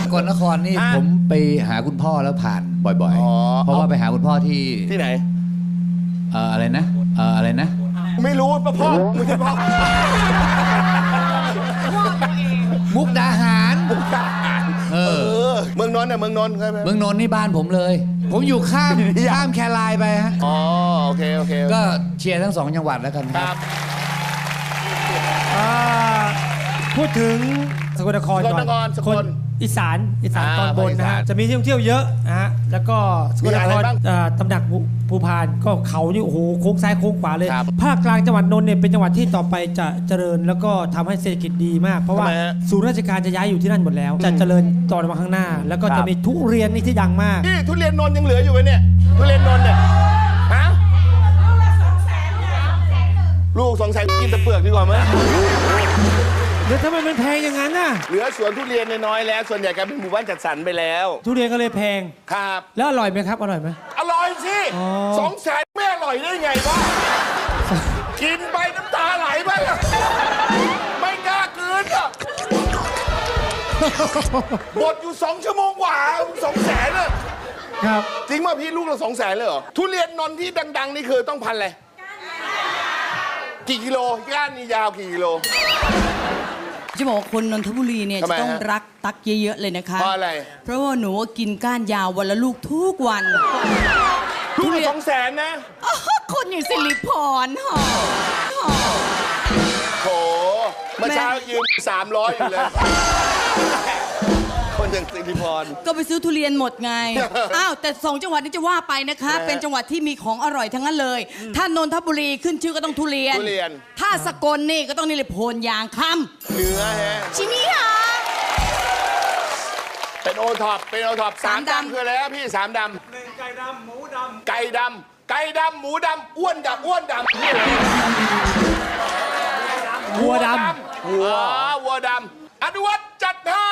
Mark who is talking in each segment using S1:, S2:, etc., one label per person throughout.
S1: กลนครนี่ผมไปหาคุณพ่อแล้วผ่านบ่อยๆเพราะว่าไปหาคุณพ่อที่
S2: ไหน
S1: อะไรนะ
S2: ไม่รู้ป่ะพ่อมึงจะพ่อ
S1: มุกดาหาร
S2: เมืองนนท์เนี่ยเมืองนนท์ใช่ไหม
S1: เมืองนนท์นี่บ้านผมเลยผมอยู่ข้ามแครายไปฮะ
S2: อ๋อโอเค
S1: ก็เชียร์ทั้ง2จังหวัดแล้วกันครับ
S3: พูดถึงสกลนครก่อนคนอีสานตอนบนนะฮะจะมีที่ท่องเที่ยวเยอะนะฮะแล้วก็สกลนครตำหนักภูพานก็เขานี่โอ้โหโค้งซ้ายโค้งขวาเลยภาคกลางจังหวัดนนท์เนี่ยเป็นจังหวัดที่ต่อไปจะเจริญแล้วก็ทำให้เศรษฐกิจดีมากเพราะว่าศูนย์ราชการจะย้ายอยู่ที่นั่นหมดแล้วจะเจริญต่อมาข้างหน้าแล้วก็จะมีทุเรียนนี่ที่ดังมาก
S2: นี่ทุเรียนนนท์ยังเหลืออยู่ไหมเนี่ยทุเรียนนนท์เนี่ยฮะลูก200,000กินแต่เปลือกดีกว่ามั้ย
S3: เดี๋ยวทำไมมันแพงอย่างนั้นน่ะ
S2: เหลือสวนทุเรียนน้อยแล้วส่วนใหญ่กลายเป็นหมู่บ้านจัดสรรไปแล้ว
S3: ทุเรียนก็เลยแพง
S2: ครับ
S3: แล้วอร่อยไหมครับอร่อยไหม
S2: อร่อยสิ200,000ไม่อร่อยได้ไงวะกินไปน้ำตาไหลไปไม่กล้ากินอ่ะหมดอยู่2 ชั่วโมงกว่า200,000อ่ะ
S3: ครับ
S2: จริงป่ะพี่ลูกเรา200,000เลยเหรอทุเรียนนนท์ที่ดังๆนี่คือต้องพันอะไรกี่กิโลก้านนี่ยาวกี่กิโล
S4: จะบอกคนนนทบุรีเนี่ยจะต้องรักตักเยอะๆเลยนะคะ
S2: เพราะอะไร
S4: เพราะว่าหนูกินก้านยาววันละลูกทุกวัน
S2: ลูกละ200,000นะ
S4: คนอย่างสิริพร
S2: โถเมื่อเช้ายืม300อยู่เลยคนอย่างสิริพร
S4: ก็ไปซื้อทุเรียนหมดไงอ้าวแต่2จังหวัดนี้จะว่าไปนะคะเป็นจังหวัดที่มีของอร่อยทั้งนั้นเลยถ้านนทบุรีขึ้นชื่อก็ต้องทุเรียนถ้าสกลนี่ก็ต้องนี่เลยโพนยางคำ
S2: เนื้อฮะ
S4: ชิมิฮะ
S2: เป็นโอท็อป3 ดำคืออะไรครับพี่3 ดำไก่ดำหมูดำไก่ดำหมูดำอ้วนดำวัวดำวัวดำอนุวัฒน์จัดให้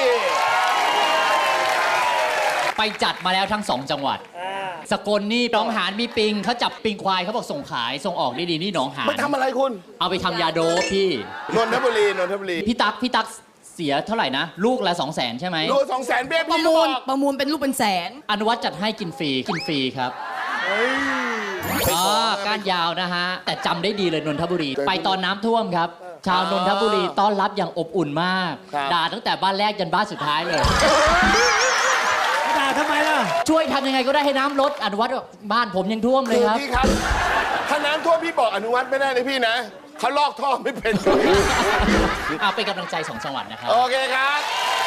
S5: ไปจัดมาแล้วทั้ง2จังหวัดสกลนี่หนองหานมีปิงเขาจับปิงควายเขาบอกส่งขายส่งออกได้ดีนี่หนองหาน
S2: ไปทำอะไรคุณ
S5: เอาไปทำยาโดปพี่
S2: นนทบุรี
S5: พี่ตั๊กเสียเท่าไหร่นะลูกละ200,000ใช่ไหม
S2: ลูก200,000เบี้ย
S4: ประมูลเป็นลูกเป็นแสน
S5: อนุวัฒน์จัดให้กินฟรีครับก้านยาวนะฮะแต่จำได้ดีเลยนนทบุรีไปตอนน้ำท่วมครับชาวนนทบุรีต้อนรับอย่างอบอุ่นมากด่าตั้งแต่บ้านแรกยันบ้านสุดท้ายเลย
S3: ด่าทำไมล่ะ
S5: ช่วยทำยังไงก็ได้ให้น้ำลดอนุวัฒน์บ้านผมยังท่วมเลยครับ
S2: พี่ครับถ้าน้ำท่วมพี่บอกอนุวัฒน์ไม่ได้เลยพี่นะเขาลอกท่อไม่เป็น
S5: เอาเป็นกำลังใจ2 จังหวัดนะครับ
S2: โอเคครับ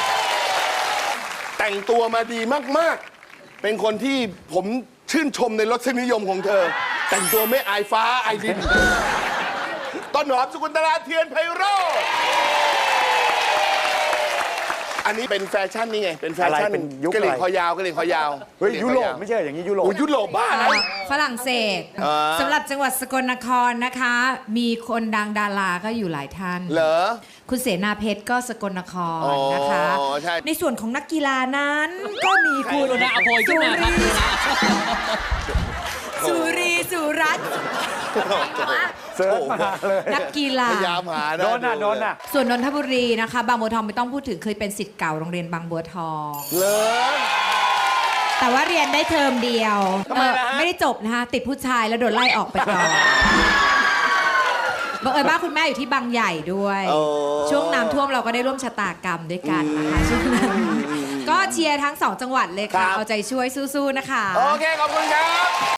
S2: แต่งตัวมาดีมากๆเป็นคนที่ผมชื่นชมในรสนิยมของเธอแต่งตัวไม่อายฟ้าอายดินต้นหอมสกุลตลาเทียนไพโรจน์อันนี้เป็นแฟชั่นนี่ไงเป็นแฟชั่นกระเหลี่ยงคอยาว
S6: เฮ้ยยุโรปไม่ใช่อย่างนี้ยุโร
S2: ปบ้าอะไร
S7: ฝรั่งเศสสำหรับจังหวัดสกลนครนะคะมีคนดังดาราก็อยู่หลายท่าน
S2: เหรอ
S7: คุณเสนาเพชรก็สกลนครนะคะในส่วนของนักกีฬานั้นก็มีคุณ
S5: อภัยขึ้นมาครับ
S7: สุรีสุรัตน์
S6: เสิร์ชมาเลย
S7: นักกีฬา
S2: พยายามหา
S6: โดนน่ะ
S7: ส่วนนนทบุรีนะคะบางบัวทองไม่ต้องพูดถึงเคยเป็นศิษย์เก่าโรงเรียนบางบัวทอง
S2: เลย
S7: แต่ว่าเรียนได้เทอมเดียวไม่ได้จบนะคะติดผู้ชายแล้วโดนไล่ออกไปก่อนบังเอิญบ้านคุณแม่อยู่ที่บางใหญ่ด้วยช่วงน้ำท่วมเราก็ได้ร่วมชะตากรรมด้วยกันนะคะช่วงนั้นก็เชียร์ทั้ง2 จังหวัดเลยค่ะเอาใจช่วยสู้ๆนะคะ
S2: โอเคขอบคุณครับ